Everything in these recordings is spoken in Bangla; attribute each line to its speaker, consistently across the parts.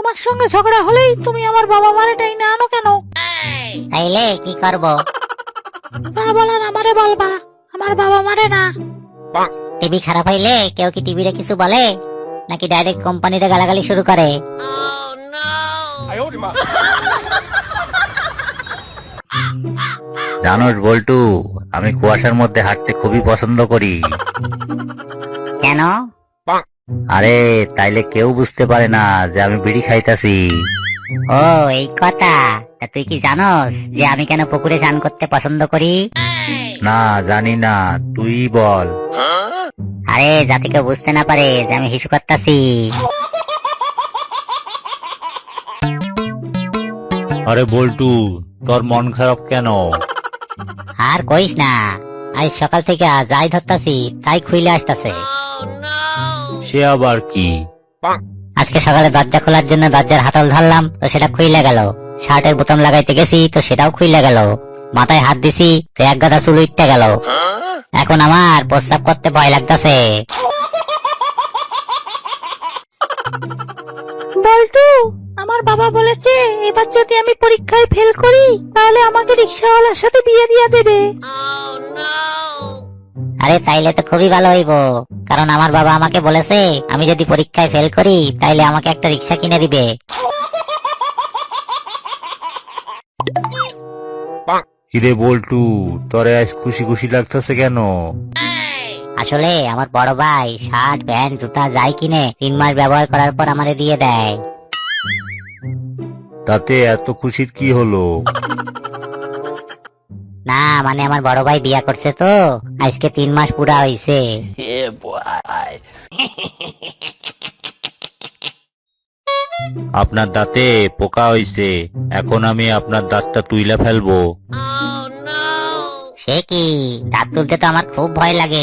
Speaker 1: তোমার সঙ্গে ঝগড়া হলেই তুমি আমার বাবা মারে টাইনে আনো কেন?
Speaker 2: তাইলে কি করব?
Speaker 1: যা বলার আমারে বলবা, আমার বাবা মারে না।
Speaker 2: টিভি খারাপ হইলে কেউ কি টিভিরে কিছু বলে, নাকি ডাইরেক্ট কোম্পানিতে গালাগালি শুরু করে?
Speaker 3: জানোস বল্টু, আমি কুয়াশার মধ্যে হাঁটতে খুবই পছন্দ করি।
Speaker 2: কেন?
Speaker 3: আরে তাইলে কেউ বুঝতে পারে না যে আমি বিড়ি খাইতাছি।
Speaker 2: ও এই কথা। তা তুই কি জানোস যে আমি কেন পুকুরে স্নান করতে পছন্দ করি?
Speaker 3: না জানি না, তুই বল।
Speaker 2: আরে যাতে কেউ বুঝতে না পারে যে আমি হিসু করতাছি।
Speaker 3: আরে বল্টু, তোর মন খারাপ কেন?
Speaker 2: আর কইস না, আজ সকাল থেকে যাই ধরতাছি তাই খুইলে আসতাছে।
Speaker 3: সে আবার কি?
Speaker 2: আজকে সকালে দরজা খোলার জন্য দরজার হাতল ধরলাম, তো সেটা খুইলে গেল। শার্টের বোতাম লাগাইতে গেছি, তো সেটাও খুইলে গেল। মাথায় হাত দিছি, তো এক গাদা চুল উঠতে গেল। এখন আমার প্রস্রাব করতে ভয় লাগতাছে।
Speaker 1: বল্টু, আমার বাবা বলেছে এবার যদি আমি পরীক্ষায় ফেল করি তাহলে আমাকে রিক্সাওয়ালার সাথে বিয়ে দিয়ে দেবে।
Speaker 2: আরে তাইলে তো খুবই ভালো হইব, কারণ আমার বাবা আমাকে বলেছে আমি যদি পরীক্ষায় ফেল করি তাইলে আমাকে একটা রিক্সা কিনে দিবে।
Speaker 3: কিরে বল্টু, তোরে আজ খুশি খুশি লাগতেছে কেন?
Speaker 2: আসলে আমার বড় ভাই শার্ট প্যান্ট জুতা যাই কিনে 3 মাস ব্যবহার করার পর আমারে দিয়ে দেয়।
Speaker 3: তাতে এত খুশির কি হলো?
Speaker 2: না মানে আমার বড় ভাই বিয়া করছে, তো আজকে 3 মাস পুরা হইছে।
Speaker 3: আপনার দাঁতে পোকা হইছে, এখন আমি আপনার দাঁতটা তুইলা ফেলবো।
Speaker 2: সে কি? দাঁত তুলতে তো আমার খুব ভয় লাগে।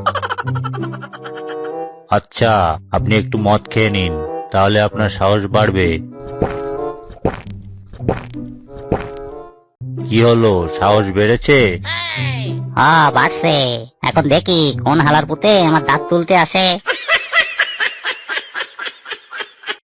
Speaker 3: আচ্ছা, আপনি একটু মদ খেয়ে নিন, তাহলে আপনার সাহস বাড়বে। কি হলো, সাহস বেড়েছে?
Speaker 2: বাড়ছে। এখন দেখি কোন হালার পুতে আমার দাঁত তুলতে আসে।